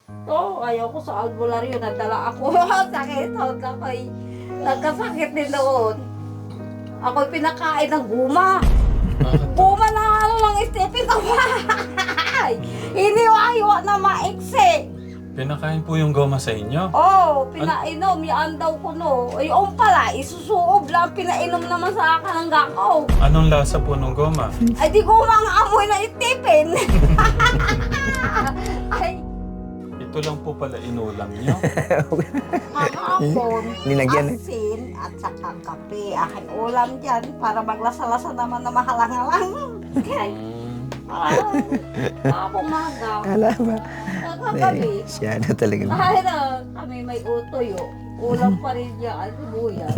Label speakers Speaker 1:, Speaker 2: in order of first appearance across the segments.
Speaker 1: Oo, ayaw ko sa albularyo. Nadala ako. Sakit. Ako'y nagkasakit din doon. Ako'y pinakain ng guma.
Speaker 2: Bakit?
Speaker 1: Guma na ano ng Stephen. Iniwa-iwa na maiksi.
Speaker 2: Pinakain po yung goma sa inyo?
Speaker 1: Oo, pinainom. Yan daw ko no. Yung pala, isusuob lang. Pinainom naman sa akin ng gakaw.
Speaker 2: Anong lasa po ng goma?
Speaker 1: Ay, di guma ang amoy na Stephen. Ay,
Speaker 2: Ito lang po pala inulam nyo.
Speaker 1: kahapon,
Speaker 3: Nilagyan
Speaker 1: asin at saka kape. Aking ulam dyan para maglasa-lasa naman na mahalang-halang. Kaya, umaga.
Speaker 3: Ala ba?
Speaker 1: Kagabi.
Speaker 3: Siya na talaga.
Speaker 1: Dahil kami may utoy, ulam pa rin niya at sibuyas.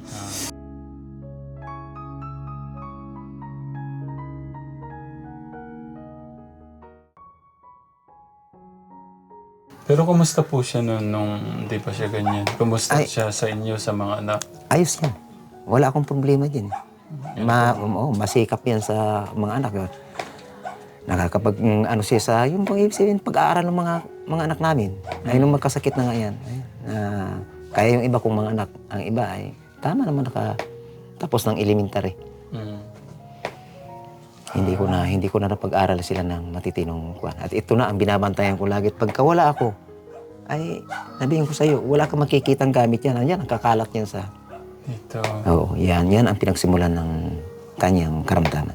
Speaker 2: Pero kumusta po siya nung hindi pa siya ganyan? Kumusta
Speaker 3: Ay.
Speaker 2: siya sa inyo, sa mga anak?
Speaker 3: Ayos yan. Wala akong problema din. Masikap yan sa mga anak. Nakakapag, ano siya sa, yung pag-aaral ng mga anak namin. Ay, nung magkasakit na nga yan. Kaya yung iba kong mga anak, ang iba ay, tama naman tapos ng elementary.
Speaker 2: Mm.
Speaker 3: Hindi ko na napag-aral sila ng matitinong kwan. At ito na ang binabantayan ko lagi. Pagka wala ako, ay, sabihin ko sa'yo, wala kang makikitang gamit yan. Yan, ang kakalat yan sa...
Speaker 2: Ito.
Speaker 3: Oo, yan ang pinagsimulan ng kanyang karamdaman.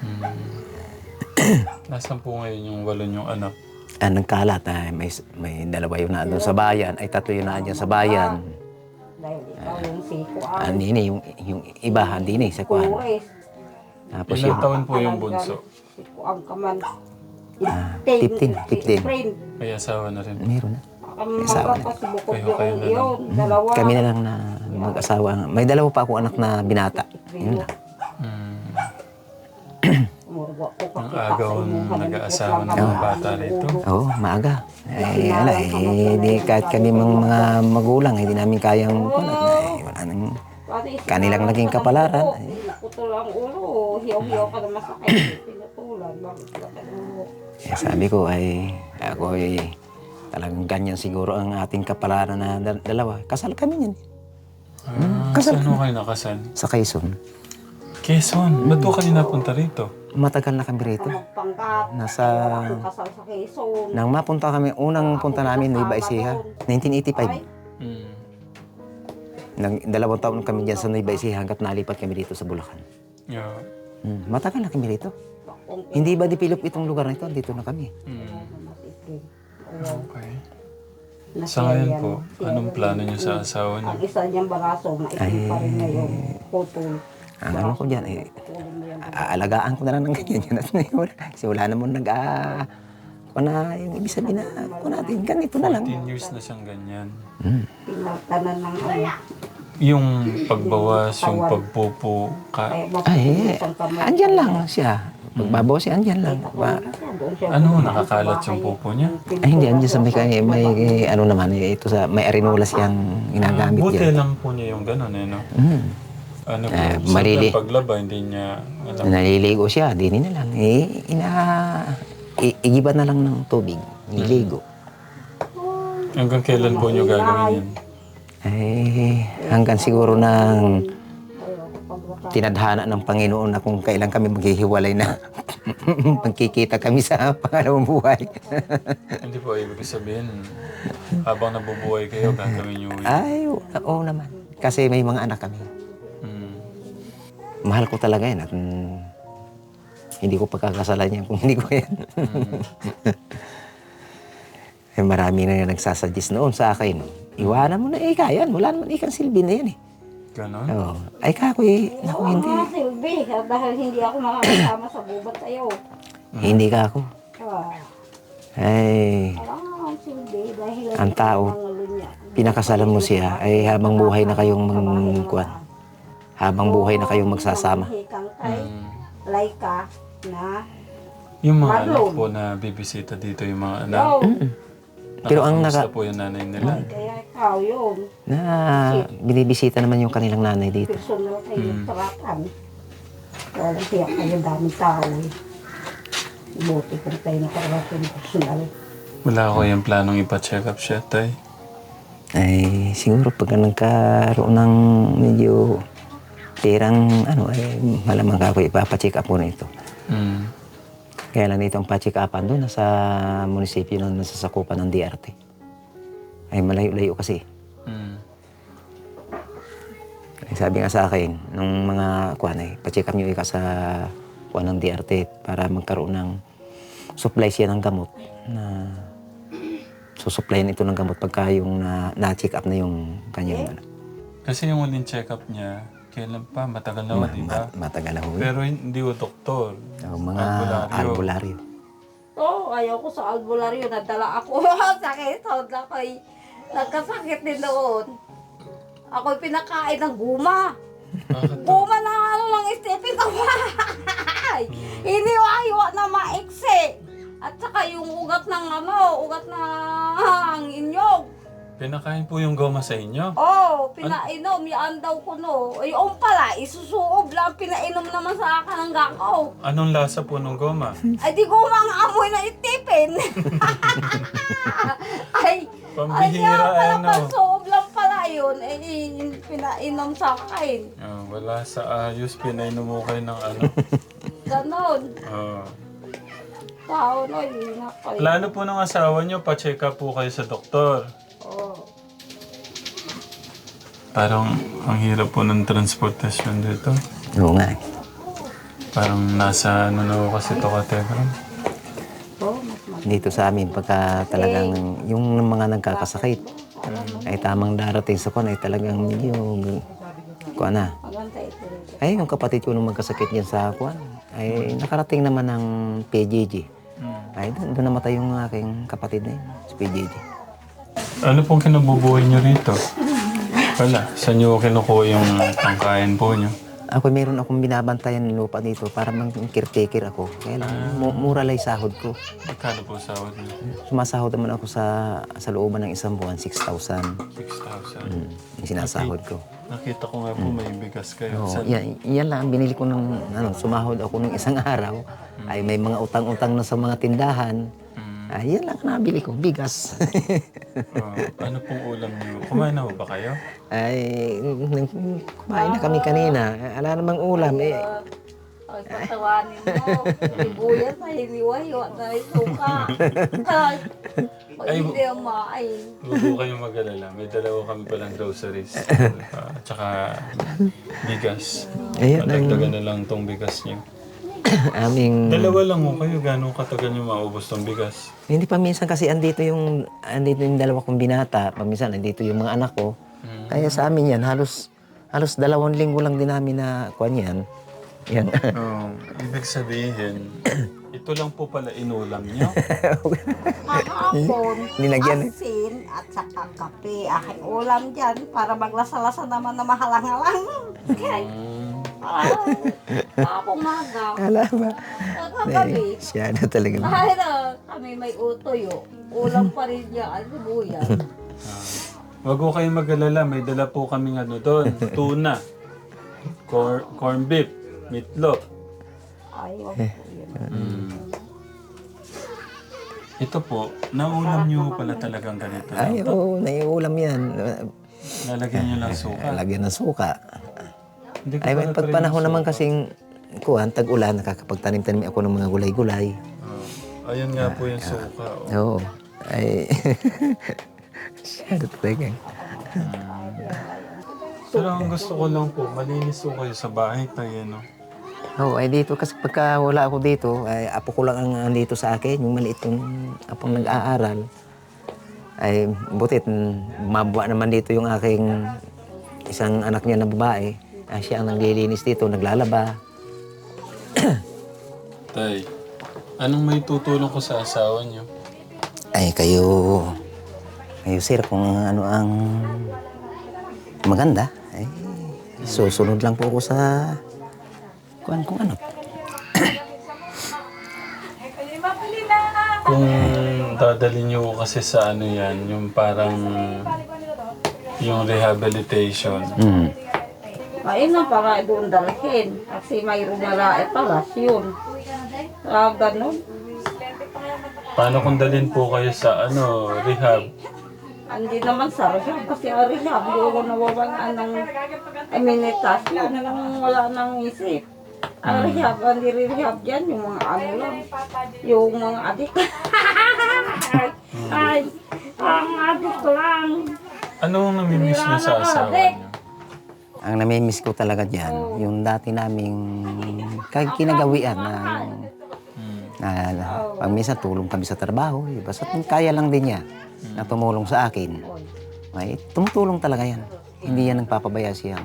Speaker 2: Nasaan po ngayon yung walo niyong anak?
Speaker 3: Nagkalat, may dalawa yun na doon sa bayan, ay tatlo yun na dyan sa bayan.
Speaker 1: Dahil ikaw yung sikuan.
Speaker 3: Andini, yung iba, andini, sa kwan.
Speaker 1: Uwes.
Speaker 3: Tapos
Speaker 2: Ilang
Speaker 3: yung
Speaker 2: taon po yung bunso?
Speaker 1: Sikuan ka man.
Speaker 3: 15.
Speaker 2: May asawa na rin.
Speaker 3: meron na.
Speaker 1: Ang
Speaker 3: Asawa
Speaker 1: mga kasi bukod
Speaker 2: Kayo na lang.
Speaker 1: yun. Dalawa.
Speaker 3: Kami na lang na mag-asawa. May dalawa pa ako anak na binata. Yun lang.
Speaker 2: Mm.
Speaker 1: Umurwa ko
Speaker 2: Ang
Speaker 1: kasi
Speaker 2: agaw nag-aasawa ng mga bata rito.
Speaker 3: Oo, maaga. Di kahit kami mga magulang, hindi namin kayang wala nang kanilang naging kapalaran.
Speaker 1: Putol ang ulo. Hiyaw-hiyaw ka na masakit. Pinutulan. Bakit ka na ulo?
Speaker 3: Sabi ko ako talagang ganyan siguro ang ating kapalaran na dalawa. Kasal kami niyan.
Speaker 2: Saan ho kayo nakasal?
Speaker 3: Sa Quezon.
Speaker 2: Quezon. Ba't po kayo napunta rito?
Speaker 3: Matagal na kami rito.
Speaker 1: Magpanggap.
Speaker 3: Nasa...
Speaker 1: Ako kasal sa Quezon.
Speaker 3: Nang mapunta kami, unang punta namin, Nueva Ecija, 1985.
Speaker 2: Mm.
Speaker 3: Nang 2 taon kami dyan sa Nueva Ecija hanggat nalipat kami dito sa Bulacan.
Speaker 2: Yeah.
Speaker 3: Matagal na kami rito. Hindi ba develop itong lugar na ito? Dito na kami.
Speaker 2: Mm. Okay. Sa ngayon po, anong plano niyo sa asawa niyo?
Speaker 1: Ang isa niyang baraso, maitim pa rin ngayon. Putol.
Speaker 3: Ang ano ko dyan, aalagaan ko na lang ng ganyan. Kasi wala naman yung ibig sabihin na, natin, ganito na lang.
Speaker 2: 14 years na siyang ganyan.
Speaker 1: Pinagtanan ng ano.
Speaker 2: Yung pagbawas, yung pagpupo,
Speaker 3: Andyan lang siya. Pagbabaw siya, andyan lang.
Speaker 2: ano, nakakalat yung pupo niya?
Speaker 3: Hindi, andyan sa may ano naman, ito sa, may arenola siyang ginagamit
Speaker 2: Buti
Speaker 3: yan.
Speaker 2: lang po niya yung gano'n, no? Ano po,
Speaker 3: malili.
Speaker 2: sa paglaba, hindi niya alam.
Speaker 3: Naliligo siya, di na lang. Igiba na lang ng tubig. Niligo.
Speaker 2: Hanggang kailan po niyo gagawin yan?
Speaker 3: Hanggang siguro ng tinadhana ng Panginoon na kung kailan kami maghihiwalay na magkikita kami sa pangalawang buhay.
Speaker 2: Hindi po, ibig sabihin, habang nabubuhay kayo, gagawin niyo yun.
Speaker 3: Ay, oo naman. Kasi may mga anak kami.
Speaker 2: Mm.
Speaker 3: Mahal ko talaga yan at hindi ko pagkakasalan yan kung hindi ko yan. Marami na nagsasuggest noon sa akin. Iwanan mo na kaya yan. Wala naman ikang silbi na yan
Speaker 2: Ganon?
Speaker 3: Oo. Ay kako naku hindi.
Speaker 1: Silbi, dahil hindi ako makakasama sa gubat tayo.
Speaker 3: Hindi ka ako. Ay,
Speaker 1: Ang silbi, dahil
Speaker 3: ang tao, pinakasalan mo siya ay habang buhay na kayong habang buhay na kayong magsasama.
Speaker 1: Laika na
Speaker 2: Yung mga anak
Speaker 1: Marlon.
Speaker 2: po na bibisita dito, yung mga anak.
Speaker 3: Pero ang
Speaker 2: Nakakamusta po yung nanay nila?
Speaker 1: kaya ikaw yun.
Speaker 3: na binibisita naman yung kanilang nanay dito.
Speaker 1: Personal kayo tarakan. Kaya tiyak kayo daming tao eh. Buti kung tayo nakarating personal.
Speaker 2: Wala ko yung planong ipa-check up siya, tay.
Speaker 3: Ay, siguro pagka nagkaroon ng medyo perang ay malamang ako ipapacheck up ko na ito.
Speaker 2: Mm.
Speaker 3: Kaya lang dito ang pa-check upan doon nasa munisipyo na nasasakupan ng DRT. Ay malayo-layo kasi.
Speaker 2: Mm.
Speaker 3: Ay, sabi nga sa akin, nung mga pa-check up nyo ika sa ng DRT para magkaroon ng supply siya ng gamot na susuplayan ito ng gamot pagka yung na-check up na yung kanyang
Speaker 2: Kasi yung huling check up niya, kailan pa? Matagal na, di ba?
Speaker 3: matagal na ho.
Speaker 2: Pero hindi ko doktor.
Speaker 3: Mga albularyo.
Speaker 1: Oo, ayaw ko sa albularyo. Nadala ako. Sakit. Ako'y nagkasakit din doon. Ako'y pinakain ng guma. Guma na lang istipin ko. Iniwa-iwa na maiksi. At saka yung ugat ng ugat ng inyog.
Speaker 2: Pinakain po yung goma sa inyo?
Speaker 1: Oo, pinainom. Yan daw ko no. Yung pala, isusuob lang. Pinainom naman sa akin ng gakaw.
Speaker 2: Anong lasa po ng goma?
Speaker 1: Ay, di guma ang amoy na itipin. Ay,
Speaker 2: Pambihira,
Speaker 1: pasuob lang pala yun. Pinainom sa akin.
Speaker 2: Wala sa ayos, pinainom mo kayo ng ano.
Speaker 1: Ganon. Tao no,
Speaker 2: Plano po ng asawa niyo, pa-check up po kayo sa doktor.
Speaker 1: Oo.
Speaker 2: Parang ang hirap po ng transportasyon dito.
Speaker 3: Oo nga.
Speaker 2: Parang nasa ano na ako kasi ito kategram.
Speaker 3: Dito sa amin, pagka talagang yung mga nagkakasakit, ay tamang darating sa ay talagang medyo,
Speaker 1: Maganda ito rin.
Speaker 3: Ay, yung kapatid ko nung magkasakit niyan sa ay nakarating naman ng PJJ. Ay, doon namatay yung aking kapatid na yun, sa PJJ.
Speaker 2: Ano pong kinabubuhay niyo rito? Wala, saan niyo kinukuha yung pangkain po niyo?
Speaker 3: Ako, meron akong binabantayan ng lupa dito para mang-caretaker ako. Kaya lang, mura lang yung sahod ko.
Speaker 2: Magkano po sahod niyo?
Speaker 3: Sumasahod naman ako sa looban ng isang buwan, 6,000.
Speaker 2: 6,000.
Speaker 3: Yung sinasahod ko.
Speaker 2: Nakita ko nga po may bigas kayo.
Speaker 3: Oo, yan lang ang binili ko ng sumahod ako ng isang araw. Ay may mga utang-utang na sa mga tindahan. Ay, yan lang ang nabili ko, bigas.
Speaker 2: Ano pong ulam niyo? Kumain na ba kayo?
Speaker 3: Ay, kumain na kami kanina. Ala namang ulam eh.
Speaker 1: Ay, patawanin mo. Sibuyas na hiniwa-hiwa na yung suka. Ay, hindi ang maain.
Speaker 2: Huwag po kayong mag-alala. May dalawa kami palang groceries. Tsaka bigas.
Speaker 3: Ayan,
Speaker 2: Patagdagan na lang tong bigas niyo.
Speaker 3: aming...
Speaker 2: Dalawa lang mo kayo. Gano'ng katagal niyo maubos tong bigas?
Speaker 3: Hindi pa minsan kasi andito yung dalawa kong binata. Paminsan andito yung mga anak ko. Kaya sa amin yan, halos 2 linggo lang din namin na kuwan yan. Yan.
Speaker 2: Ibig sabihin, ito lang po pala inulam niyo.
Speaker 1: Kahapon,
Speaker 3: Linagyan eh.
Speaker 1: asin at saka kape. Aking ulam dyan para maglasa-lasa naman na mahalang-halang. Kapong maga.
Speaker 3: Hala ba?
Speaker 1: Kagabi.
Speaker 3: Siya na talaga.
Speaker 1: Kahit kami may utoyo, ulam pa rin yan, sibuyas.
Speaker 2: Wag ko kayong mag-alala. May dala po kaming ano doon. Tuna. Corn beef. Meatloaf.
Speaker 1: Ay, wag po yun.
Speaker 2: Ito po, naulam niyo pala talagang ganito.
Speaker 3: Ay, oo, naiulam yan.
Speaker 2: Lalagyan niyo lang suka.
Speaker 3: Lagyan ng suka.
Speaker 2: Hindi ko
Speaker 3: Ay,
Speaker 2: pala
Speaker 3: may
Speaker 2: try
Speaker 3: pagpanahon
Speaker 2: yung
Speaker 3: naman
Speaker 2: suka.
Speaker 3: kasing tag-ulan, nakakapagtanim-tanim ako ng mga gulay-gulay.
Speaker 2: Ayun nga po yung suka.
Speaker 3: Oo. Ay, siya na talaga.
Speaker 2: Pero ang gusto ko lang po, malinis po kayo sa bahay tayo, no?
Speaker 3: Oo, ay dito kasi pagka wala ako dito, ay apo ko lang ang andito sa akin, yung maliit yung apong nag-aaral. Ay butit, mabuwa naman dito yung aking isang anak niya na babae. Ay, siya ang naglilinis dito, naglalaba.
Speaker 2: Tay, anong may tutulong ko sa asawa niyo?
Speaker 3: Ay, kayo sir, kung ano ang maganda, ay susunod lang po ako sa kung ano.
Speaker 2: Kung dadalhin niyo kasi sa ano yan, yung parang yung rehabilitation.
Speaker 1: Ayun na para doon dalhin. Kasi mayroon na palas yun. Ganun.
Speaker 2: Paano kung dalhin po kayo sa rehab?
Speaker 1: Hindi naman sa rehab kasi ang rehab, yung nawawalan ng amenitas, yun lang wala nang isip. Ang rehab, ang nire-rehab dyan, yung mga ano lang, yung mga adik. Ay, ang adik lang.
Speaker 2: Ano ang namimiss niyo sa asawa niyo?
Speaker 3: Ang namimiss ko talaga dyan, yung dati naming kinagawian na pag minsan tulong kami sa trabaho, basta kaya lang din niya na tumulong sa akin. May tumutulong talaga yan. Hindi yan nagpapabaya siyang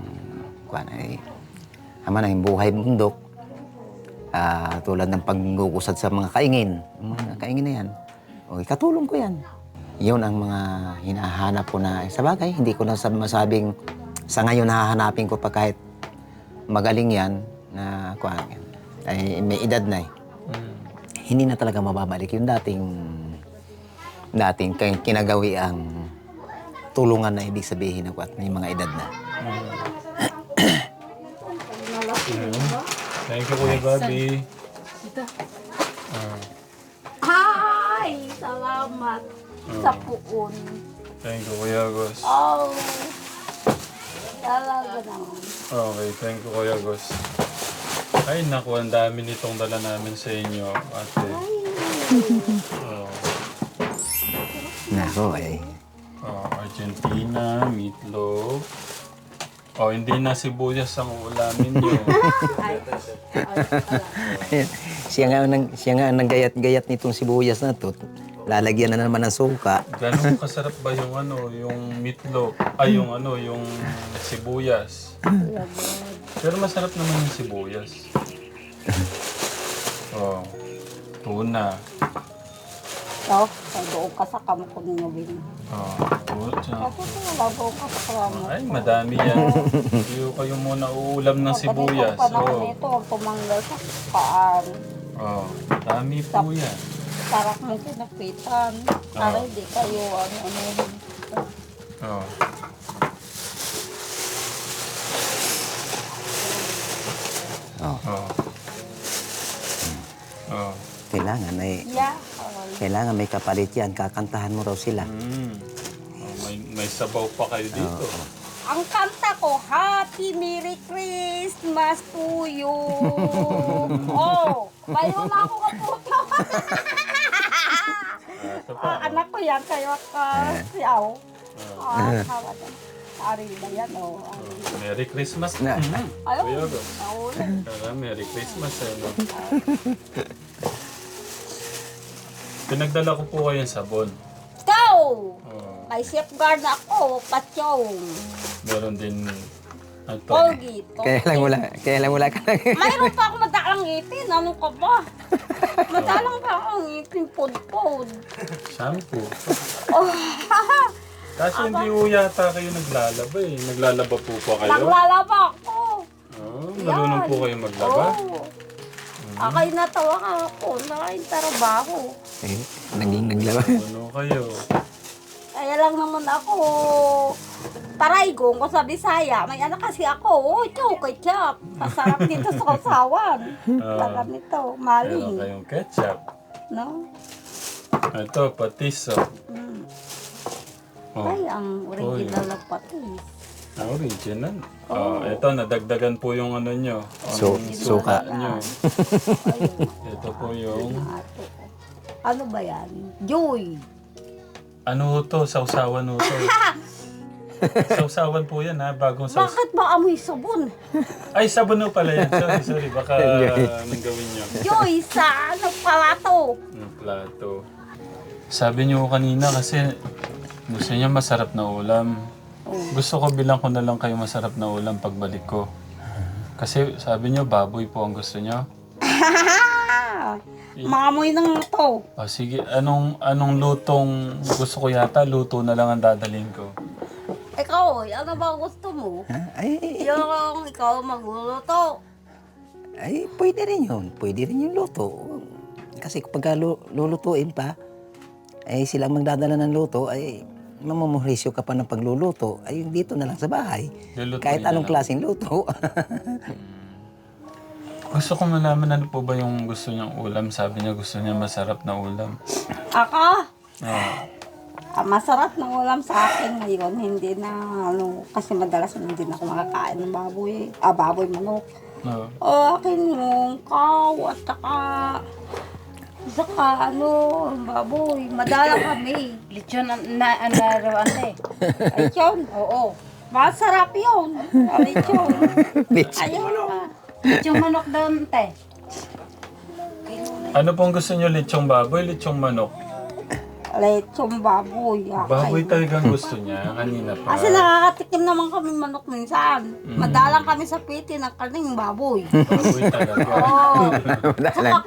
Speaker 3: ama na yung buhay bundok. Tulad ng paggukusad sa mga kaingin. Yung mga kaingin na yan. O, katulong ko yan. Yun ang mga hinahanap ko na sa bagay. Hindi ko na masabing sa ngayon hahanapin ko pa kahit magaling yan na ay may edad na eh. Hindi na talaga mababalik yung dating kinagawi ang tulungan na ibig sabihin ako at may mga edad na.
Speaker 2: Thank you, Kuya Bobby.
Speaker 1: Ay, salamat sa puon.
Speaker 2: Thank you, Kuya Gus.
Speaker 1: Oh, talaga naman.
Speaker 2: Okay, thank you, Kuya Gus. Ay, naku, ang dami nitong dala namin sa inyo, ate. Oh,
Speaker 3: Nako eh.
Speaker 2: Argentina, meatloaf. Oh, hindi na sibuyas ang ulamin niyo.
Speaker 3: Siya nga ang naggayat-gayat nitong sibuyas na to. Lalagyan na naman ng suka.
Speaker 2: Ganun kasarap ba yung yung meatloaf? Ay, yung sibuyas. Pero masarap naman yung sibuyas. Oh, tuna.
Speaker 1: So, doon ka sa kamay ko ninyo, Bin.
Speaker 2: Oh, tuna.
Speaker 1: Ako wala doon ka sa kamay.
Speaker 2: Ay, madami yan. Hindi kayo muna uulam ng sibuyas.
Speaker 1: Panahon nito, huwag tumanggal sa paan.
Speaker 2: Oh, dami po yan.
Speaker 1: Tarak mo kinapitan. Para hindi kayo ano.
Speaker 2: Oh.
Speaker 3: Oh.
Speaker 2: Oh. Oh.
Speaker 3: Kailangan may kapalit yan. Kakantahan mo raw sila.
Speaker 2: Oh, may sabaw pa kayo dito.
Speaker 1: Ang kanta ko, Happy Merry Christmas to you. Oh, bayo na ako kaputo.
Speaker 2: Ito pa.
Speaker 1: Anak ko yan, kayo siyaw. Hawa na. Ari na yan, oh.
Speaker 2: Merry Christmas.
Speaker 3: Na.
Speaker 1: Ayaw,
Speaker 2: Kuya Gus.
Speaker 1: naulan.
Speaker 2: Merry Christmas. Pinagdala ko po kayong sabon.
Speaker 1: Ikaw!
Speaker 2: Oh.
Speaker 1: May safeguard ako, patyong.
Speaker 2: Meron din ito.
Speaker 1: Colgate.
Speaker 3: Kaya lang wala ka lang.
Speaker 1: Mayroon pa ako madalang ngipin. Ano ka ba? Madalang pa akong ngipin, pod-pod.
Speaker 2: Shampoo.
Speaker 1: Oh,
Speaker 2: Kasi hindi po yata kayo naglalaba eh. Naglalaba po pa kayo?
Speaker 1: naglalaba ako.
Speaker 2: Oh, marunong po kayo maglaba?
Speaker 1: Oo. Akay natawa ka ako. Nakaintrabaho.
Speaker 3: Eh, naging naglaba.
Speaker 2: Ano kayo?
Speaker 1: Kaya lang naman ako, Taraygong ko sa Bisaya. May anak kasi ako. Oh, ketchup. Masarap dito sa kasawan. Taga nito,
Speaker 2: Meron
Speaker 1: maling.
Speaker 2: kayong ketchup.
Speaker 1: No?
Speaker 2: Ito, patis. Oh. Oh.
Speaker 1: Ay, ang original na patis.
Speaker 2: Original. Oh, ito, nadagdagan po yung ano nyo.
Speaker 3: Suka.
Speaker 2: Nyo.
Speaker 1: Ayun.
Speaker 2: Ito po yung...
Speaker 1: Ato. Ano ba yan? Joy.
Speaker 2: Ano to? Sausawan ho to. Sausawan po yan ha, bagong sausawan.
Speaker 1: Bakit ba amoy sabon?
Speaker 2: Ay, sabon ho pala yan. Sorry. Baka anong gawin nyo?
Speaker 1: Joy sa ano palato.
Speaker 2: Yung plato. Sabi nyo kanina kasi gusto niya masarap na ulam. Gusto ko bilang ko na lang kayo masarap na ulam pagbalik ko. Kasi sabi nyo baboy po ang gusto nyo.
Speaker 1: Mamoy ng to.
Speaker 2: O sige, anong lutong gusto ko yata? Luto na lang ang dadalhin ko.
Speaker 1: Ikaw, ano ba gusto mo?
Speaker 3: Ay,
Speaker 1: Yung ikaw magluluto.
Speaker 3: ay, pwede rin yun. Pwede rin yung luto. Kasi kapag lulutuin pa, ay silang magdadala ng luto, ay mamumurisyo ka pa ng pagluluto. Ay, dito na lang sa bahay.
Speaker 2: Lulutuin
Speaker 3: Kahit
Speaker 2: na
Speaker 3: anong
Speaker 2: lang.
Speaker 3: klaseng luto.
Speaker 2: Gusto ko malaman ano po ba yung gusto niyang ulam. Sabi niya gusto niya masarap na ulam.
Speaker 1: Ako,
Speaker 2: Ah,
Speaker 1: masarap ng ulam sa akin ngayon. Hindi na, kasi madalas hindi na ako makakain ng baboy. Baboy manok.
Speaker 2: no.
Speaker 1: Akin yung kaw at saka baboy. Madala kami.
Speaker 4: Lechon na naroon eh.
Speaker 1: Lechon, oo. Masarap yun. Lechon. Ayaw na.
Speaker 4: Lechon manok doon, te.
Speaker 2: Ano pong gusto niyo? Lechong baboy, lechong manok?
Speaker 1: Lechon baboy.
Speaker 2: Baboy talagang gusto niya. Kanina pa.
Speaker 1: Kasi nakakatikim naman kami manok minsan. Madalang kami sa piti ng karning baboy.
Speaker 2: Baboy talaga.
Speaker 1: Oo.
Speaker 3: Wala lang.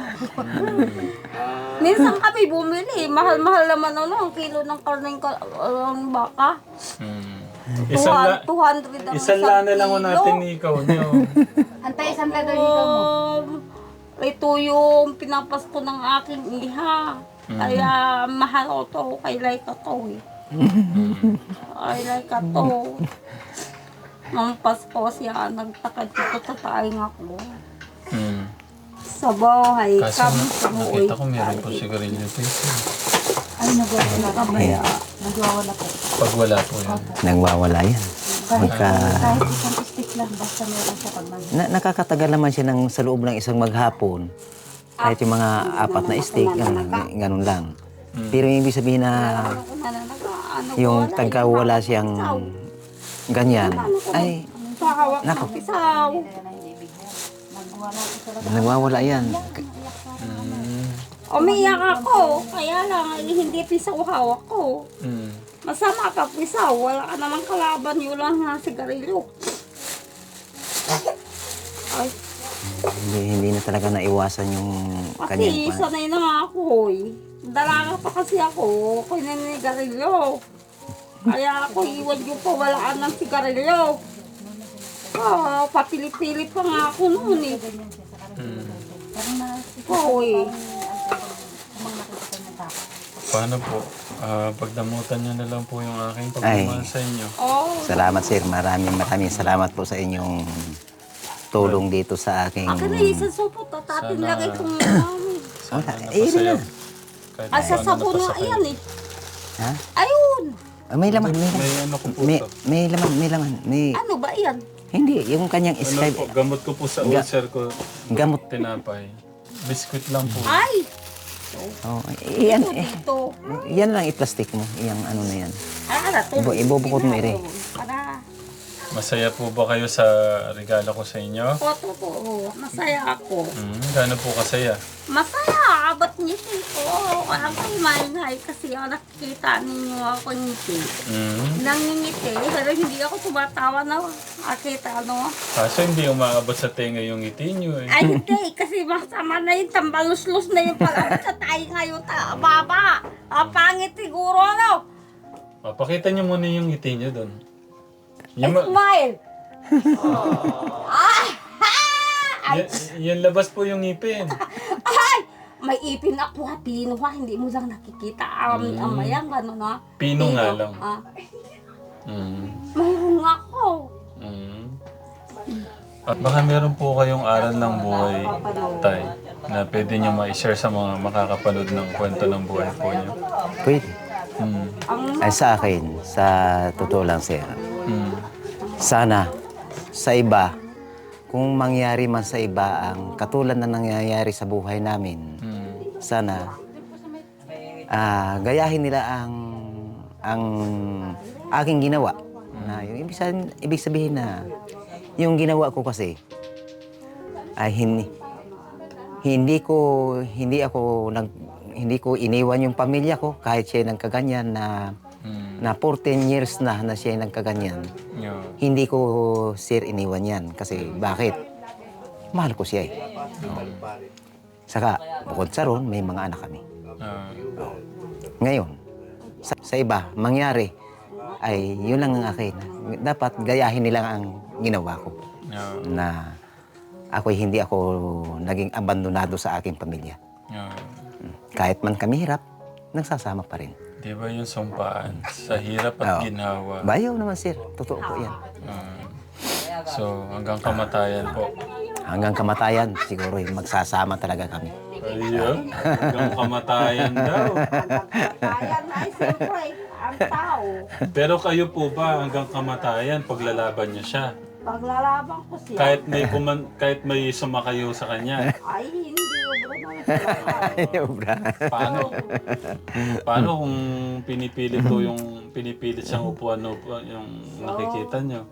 Speaker 1: Minsan kami bumili. Mahal-mahal naman ang kilo ng karning baka.
Speaker 2: Hmm. Isang
Speaker 1: 200 ang
Speaker 2: isang lana lang ko natin ikaw niyo.
Speaker 4: Antay, santa doon ikaw mo.
Speaker 1: Ito yung pinapasko ng aking iha. Kaya mahal ko to. Kay Laika to eh. Kay Laika to. Nung Pasko siya nagtakad dito sa taing ako.
Speaker 2: Hmm.
Speaker 1: Sa bahay
Speaker 2: Kaso
Speaker 1: kami sa
Speaker 2: nakita ko meron po sigarilyo dito.
Speaker 4: Ay, nagwawala ka ba?
Speaker 1: Kaya
Speaker 4: Nagwawala po.
Speaker 2: Pag wala po yan.
Speaker 3: Nagwawala yan.
Speaker 4: Kahit isang stick lang, basta meron siya pag
Speaker 3: Nakakatagal naman siya sa loob ng isang maghapon. Kahit yung mga apat na stick, ganun lang. Pero yung ibig sabihin na yung tagkawala siyang ganyan, ay,
Speaker 1: Pahawak
Speaker 3: Nako.
Speaker 1: ng pisaw.
Speaker 3: nagwawala yan.
Speaker 1: Umiyak ako. Kaya lang, hindi pisaw hawak ko.
Speaker 2: Hmm.
Speaker 1: Masama ka pisaw. Wala ka namang kalaban. Yun lang na sigarilyo. Ay,
Speaker 3: Hindi na talaga naiwasan yung
Speaker 1: kasi
Speaker 3: kanyang
Speaker 1: sanay na nga ako eh. Dalaga pa kasi ako. Ako naninigarilyo. Kaya ako iwan yung pawalaan ng sigarilyo. Papilip-pilip pa nga ako noon eh. Oo eh.
Speaker 2: Paano po? Pagdamutan niyo na lang po yung aking
Speaker 3: Ay.
Speaker 2: pagmamahal sa inyo.
Speaker 1: Oo.
Speaker 3: Salamat sir, maraming salamat po sa inyong tulong dito sa aking...
Speaker 1: Akin na isa supot. Tatin
Speaker 2: Sana-
Speaker 1: lang itong namin.
Speaker 3: Wala,
Speaker 2: Napasaya. Kahit
Speaker 1: Ay, sa
Speaker 2: paano
Speaker 1: sabon na
Speaker 2: napasakay.
Speaker 1: ayan eh.
Speaker 3: Ha?
Speaker 1: Ayun.
Speaker 3: May laman, may laman.
Speaker 2: May ano ko po
Speaker 3: May,
Speaker 2: to.
Speaker 3: may laman, may laman. May,
Speaker 1: Ano ba yan?
Speaker 3: hindi, yung kanyang
Speaker 2: Ano
Speaker 3: Skype,
Speaker 2: po, gamot ko po sa ulcer ko.
Speaker 3: gamot.
Speaker 2: Tinapay. Biskuit lang po.
Speaker 1: Ay!
Speaker 3: Oh, yan,
Speaker 1: Dito.
Speaker 3: yan lang i-plastic mo, yung ano na yan. Ibubukod mo, Ire.
Speaker 1: Para.
Speaker 2: Masaya po ba kayo sa regalo ko sa inyo?
Speaker 1: Totoo. Masaya ako.
Speaker 2: Gaano po kasaya?
Speaker 1: Masaya. Ba't ngiti ko? Ang maingay kasi nakikita ninyo ako ngiti. Nangingiti. Pero hindi ako tumatawa na nakita
Speaker 2: Kaso hindi umaabot sa tenga yung ngiti nyo eh.
Speaker 1: Ay hindi. Kasi masama na yung tambalus-lus na yung palabot sa tayo ngayon. Baba. Pangit siguro
Speaker 2: Pakita nyo muna yung ngiti nyo doon.
Speaker 1: Smile.
Speaker 2: Yan labas po yung ngipin.
Speaker 1: Ay! May ipin ako ha, pino ha, hindi mo lang nakikita. Amayang gano'n ha.
Speaker 2: Pino nga lang.
Speaker 1: Mm. Mayroon nga ako.
Speaker 2: At baka meron po kayong aral ng buhay, Tay, na pwede nyo ma-share sa mga makakapanood ng kwento ng buhay po nyo.
Speaker 3: Pwede.
Speaker 1: Ang
Speaker 3: Ay sa akin, sa totoo lang sir,
Speaker 2: Mm.
Speaker 3: sana sa iba, kung mangyari man sa iba ang katulad na nangyayari sa buhay namin, sana gayahin nila ang aking ginawa. Na yung ibig sabihin na yung ginawa ko kasi ay hindi ko iniwan yung pamilya ko kahit siya nagkaganyan na 14 years na siya nagkaganyan.
Speaker 2: Yeah.
Speaker 3: Hindi ko sir iniwan yan kasi bakit? Mahal ko siya eh. Saka bukod sa ron, may mga anak kami. Ngayon, sa iba, mangyari ay yun lang ang akin. Dapat gayahin nila ang ginawa ko.
Speaker 2: Yeah.
Speaker 3: Na hindi ako naging abandonado sa aking pamilya.
Speaker 2: Yeah.
Speaker 3: Kahit man kami hirap, nagsasama pa rin.
Speaker 2: Di ba yung sumpaan? Sa hirap at
Speaker 3: Oo.
Speaker 2: ginhawa.
Speaker 3: Bayaw naman sir, totoo po yan.
Speaker 2: So, hanggang kamatayan po.
Speaker 3: hanggang kamatayan, siguro magsasama talaga kami.
Speaker 2: Ayun, hanggang kamatayan daw.
Speaker 1: Kaya na siyempre, ang tao.
Speaker 2: Pero kayo po ba hanggang kamatayan paglalaban niyo siya?
Speaker 1: Paglalaban ko siya,
Speaker 2: Kahit may sumakayo sa kanya.
Speaker 1: ay hindi ubra naman siya.
Speaker 3: Obra.
Speaker 2: Paano kung pinipilit siyang upuan yung nakikita niyo?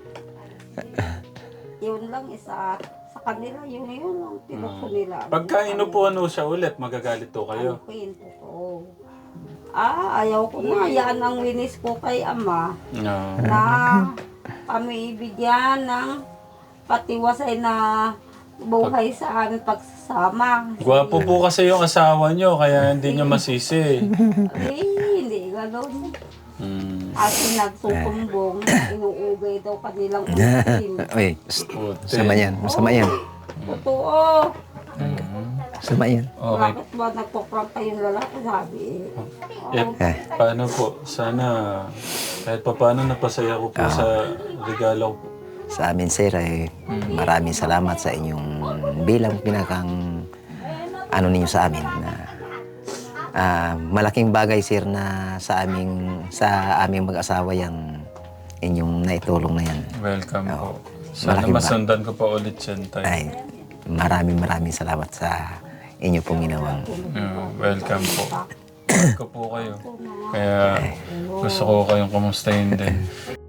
Speaker 1: Yun lang isa sa kanila, yun lang tinuko nila.
Speaker 2: Pagka inupuan mo siya ulit, magagalit to kayo.
Speaker 1: Ano po? Ayaw ko na. Yan ang winis ko kay ama.
Speaker 2: No.
Speaker 1: Na kami ibigyan ng patiwasay na buhay sa aming pagsasama.
Speaker 2: Gwapo po kasi yung asawa niyo, kaya hindi niyo masisi.
Speaker 1: Ay, hindi gano'n.
Speaker 2: Hmm.
Speaker 1: At nagsusumbong, inuugay daw kanilang ulitin.
Speaker 3: Uy, masama yan, masama yan.
Speaker 1: Totoo.
Speaker 3: Masama yan.
Speaker 2: Okay.
Speaker 1: Bakit ba nagpaprank kayong lalaki? Sabi
Speaker 2: Paano po? Sana kahit pa paano napasaya ko po sa regalo ko.
Speaker 3: Sa amin, sir, maraming salamat sa inyong bilang pinakang ano ninyo sa amin. Malaking bagay, sir, na sa aming mag-asawa yung inyong naitulong na yan.
Speaker 2: Welcome po. Sana
Speaker 3: Malaking
Speaker 2: masundan ko pa ulit yan tayo.
Speaker 3: Ay, maraming salamat sa inyo pong ginawang.
Speaker 2: Welcome po. Welcome po kayo. Kaya gusto ko kayong kumustahin din.